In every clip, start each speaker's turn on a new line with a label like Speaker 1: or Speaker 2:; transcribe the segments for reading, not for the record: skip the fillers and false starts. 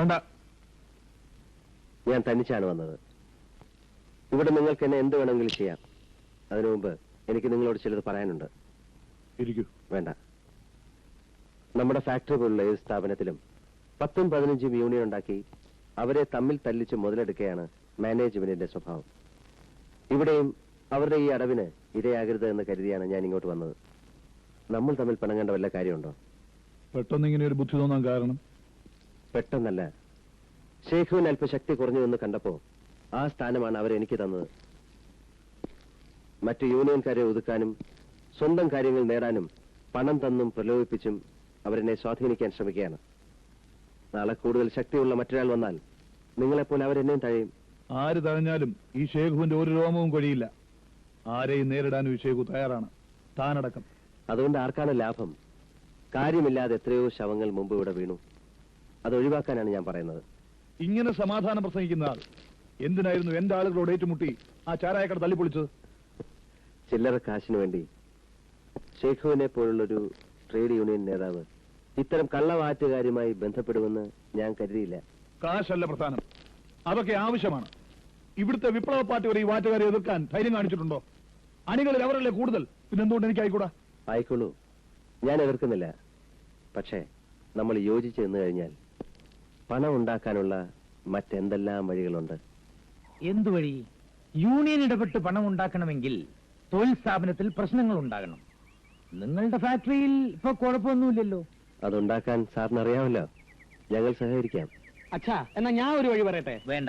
Speaker 1: വേണ്ട.
Speaker 2: ഞാൻ തനിച്ചാണ് വന്നത്. ഇവിടെ നിങ്ങൾക്ക് എന്നെ എന്ത് വേണമെങ്കിലും ചെയ്യാം. അതിനു മുമ്പ് എനിക്ക് നിങ്ങളോട് ചിലത് പറയാനുണ്ട്.
Speaker 1: ഇരിക്കൂ.
Speaker 2: വേണ്ട. നമ്മുടെ ഫാക്ടറി പോലുള്ള ഏത് സ്ഥാപനത്തിലും 10ഉം 15ഉം യൂണിയൻ ഉണ്ടാക്കി അവരെ തമ്മിൽ തല്ലിച്ച് മുതലെടുക്കുകയാണ് മാനേജ്മെന്റിന്റെ സ്വഭാവം. ഇവിടെയും അവരുടെ ഈ അടവിന് ഇരയാകരുത് എന്ന് കരുതിയാണ് ഞാൻ ഇങ്ങോട്ട് വന്നത്. നമ്മൾ തമ്മിൽ പിണങ്ങേണ്ട വല്ല കാര്യമുണ്ടോ?
Speaker 1: പെട്ടെന്ന് ഇങ്ങനെ ഒരു ബുദ്ധി തോന്നാൻ കാരണം?
Speaker 2: പെട്ടെന്നല്ല, ഷേഖുവിന് അല്പ ശക്തി കുറഞ്ഞു എന്ന് കണ്ടപ്പോ ആ സ്ഥാനമാണ് അവരെനിക്ക് തന്നത്. മറ്റു യൂണിയൻകാരെ ഒതുക്കാനും സ്വന്തം കാര്യങ്ങൾ നേടാനും പണം തന്നും പ്രലോഭിപ്പിച്ചും അവരെന്നെ സ്വാധീനിക്കാൻ ശ്രമിക്കുകയാണ്. നാളെ കൂടുതൽ ശക്തിയുള്ള മറ്റൊരാൾ വന്നാൽ നിങ്ങളെപ്പോലെ അവരെന്നെയും തഴയും.
Speaker 1: ആര് തഴഞ്ഞാലും ഈ ഷേഖുവിന്റെ ഒരു രോമവും കൊഴിയില്ല. ആരെയും നേരിടാനും ഈ ഷേഖു തയ്യാറാണ്, താനടക്കം.
Speaker 2: അതുകൊണ്ട് ആർക്കാണ് ലാഭം? കാര്യമില്ലാതെ എത്രയോ ശവങ്ങൾ മുമ്പ് ഇവിടെ വീണു. അത് ഒഴിവാക്കാനാണ് ഞാൻ പറയുന്നത്.
Speaker 1: ഇങ്ങനെ സമാധാനം പ്രസംഗിക്കുന്ന ആൾ എന്തിനായിരുന്നു എന്റെ ആളുകളോട് ഏറ്റുമുട്ടി ആ ചാരായക്കട തല്ലിപ്പൊളിച്ചത്?
Speaker 2: ചില്ലറ കാശിനു വേണ്ടി ഷേഖുവിനെ പോലുള്ളൊരു ട്രേഡ് യൂണിയൻ നേതാവ് ഇത്തരം കള്ളവാറ്റുകാരുമായി ബന്ധപ്പെടുമെന്ന് ഞാൻ കരുതിയില്ല.
Speaker 1: കാശല്ല പ്രധാനം, അതൊക്കെ ആവശ്യമാണ്. ഇവിടുത്തെ വിപ്ലവ പാർട്ടി വരെ ഈ വാറ്റുകാരെ എതിർക്കാൻ ധൈര്യം കാണിച്ചിട്ടുണ്ടോ? അണികളിൽ അവരല്ലേ കൂടുതൽ, പിന്നെന്തുകൊണ്ട് എനിക്ക് ആയിക്കൂടാ?
Speaker 2: ആയിക്കോളൂ, ഞാൻ എതിർക്കുന്നില്ല. പക്ഷേ നമ്മൾ യോജിച്ച് നിന്ന് കഴിഞ്ഞാൽ പണം ഉണ്ടാക്കാനുള്ള മറ്റെന്തെല്ലാം വഴികളുണ്ട്?
Speaker 3: എന്തു വഴി? യൂണിയൻ ഇടപെട്ട് പണം ഉണ്ടാക്കണമെങ്കിൽ തൊഴിൽ സ്ഥാപനത്തിൽ പ്രശ്നങ്ങൾ ഉണ്ടാകണം. നിങ്ങളുടെ ഫാക്ടറിയിൽ ഇപ്പൊ കുഴപ്പമൊന്നുമില്ലല്ലോ.
Speaker 2: അതുണ്ടാക്കാൻ സാറിന് അറിയാമല്ലോ. ഞങ്ങൾ സഹകരിക്കാം.
Speaker 4: അച്ഛാ, എന്നാ ഞാൻ ഒരു വഴി പറയട്ടെ?
Speaker 3: വേണ്ട.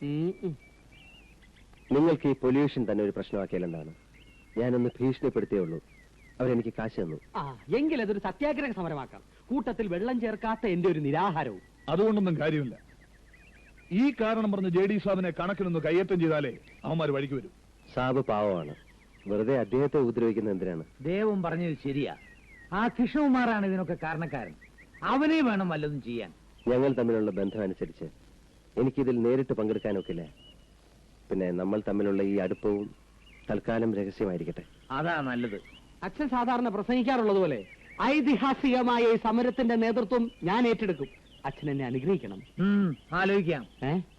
Speaker 2: നിങ്ങൾക്ക് ഈ പൊല്യൂഷൻ തന്നെ ഒരു പ്രശ്നമാക്കിയാലെന്താണ്? ഞാനൊന്ന് ഭീഷണിപ്പെടുത്തിയേ ഉള്ളൂ. അവരെനിക്ക് കാശ് തന്നു.
Speaker 4: എങ്കിൽ അതൊരു സത്യാഗ്രഹ സമരമാക്കാം. കൂട്ടത്തിൽ വെള്ളം ചേർക്കാത്ത എന്റെ ഒരു നിരാഹാരവും.
Speaker 1: അതുകൊണ്ടൊന്നും കാര്യമില്ല. ഈ കാരണം പറഞ്ഞ് JD സാബിനെ കണക്കിനൊന്ന് കയ്യേറ്റം ചെയ്താലേ അവന്മാർ വഴിക്ക് വരും.
Speaker 2: സാബ് പാവമാണ്. വെറുതെ അദ്ദേഹത്തെ ഉപദ്രവിക്കുന്ന എന്തിനാണ്?
Speaker 3: ദേവം പറഞ്ഞത് ശരിയാ. ആ കൃഷ്ണകുമാറാണ് ഇതിനൊക്കെ കാരണക്കാരൻ. അവനെ വേണം വല്ലതും ചെയ്യാൻ.
Speaker 2: ഞങ്ങൾ തമ്മിലുള്ള ബന്ധം അനുസരിച്ച് എനിക്കിതിൽ നേരിട്ട് പങ്കെടുക്കാനൊക്കില്ല. പിന്നെ നമ്മൾ തമ്മിലുള്ള ഈ അടുപ്പവും തൽക്കാലം രഹസ്യമായിരിക്കട്ടെ.
Speaker 3: അതാ നല്ലത്.
Speaker 4: അച്ഛൻ സാധാരണ പ്രസംഗിക്കാറുള്ളത് പോലെ ഐതിഹാസികമായ ഈ സമരത്തിന്റെ നേതൃത്വം ഞാൻ ഏറ്റെടുക്കും. അച്ഛൻ എന്നെ അനുഗ്രഹിക്കണം.
Speaker 3: ആലോചിക്കാം.